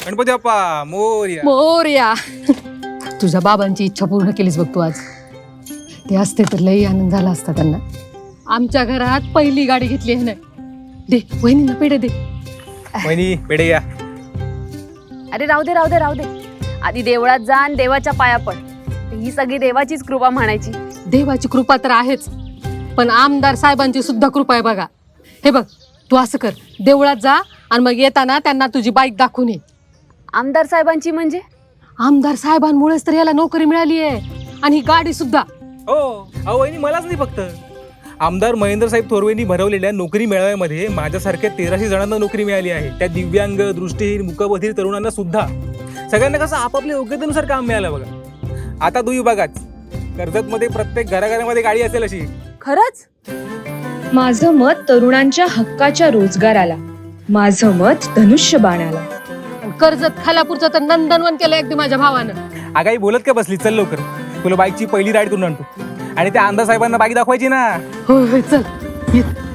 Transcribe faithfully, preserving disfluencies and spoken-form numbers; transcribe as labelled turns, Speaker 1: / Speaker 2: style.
Speaker 1: गणपती बाप्पा मोरया.
Speaker 2: मोरया. तुझ्या बाबांची इच्छा पूर्ण केलीस बघ तू आज. ते असते तर लई आनंद झाला असता त्यांना. आमच्या घरात पहिली गाडी घेतली आहे ना. दे वहिनींना पेढे दे.
Speaker 1: वहिनी पेढे या.
Speaker 3: अरे राहू दे राहू दे राहू दे. आधी देवळात जा आणि देवाच्या पाया पड. ही सगळी देवाचीच कृपा म्हणायची.
Speaker 2: देवाची कृपा तर आहेच, पण आमदार साहेबांची सुद्धा कृपा आहे बघा. हे बघ तू असं कर, देवळात जा आणि मग येताना त्यांना तुझी बाईक दाखवून ये.
Speaker 3: आमदार साहेबांची म्हणजे?
Speaker 2: आमदार साहेबांमुळेच तर याला नोकरी मिळाली आहे आणि ही गाडी सुद्धा.
Speaker 1: हो अहो वहिनी, मलाच नाही फक्त, आमदार महेंद्र साहेब थोरवेंनी भरवलेल्या नोकरी मेळाव्यामध्ये माझ्यासारख्या तेराशे जणांना नोकरी मिळाली आहे. त्या दिव्यांग, दृष्टीहीन, मुकबधीर तरुणांना सुद्धा. सगळ्यांना कसं आपापल्या योग्यतेनुसार काम मिळालं बघा. आता तू बघाच, कर्जतमध्ये प्रत्येक घराघरामध्ये गाडी असेल अशी.
Speaker 3: खरंच?
Speaker 4: माझं मत तरुणांच्या हक्काच्या रोजगाराला, माझं मत धनुष्यबाणाला.
Speaker 2: कर्जत खालापूरचं तर नंदनवन केलं अगदी माझ्या भावानं.
Speaker 1: आगाई बोलत का बसली? चल लवकर, तुला बाईकची पहिली राईड करून आणतो आणि त्या आमदार साहेबांना बाईक दाखवायची ना.
Speaker 2: होय होय चल.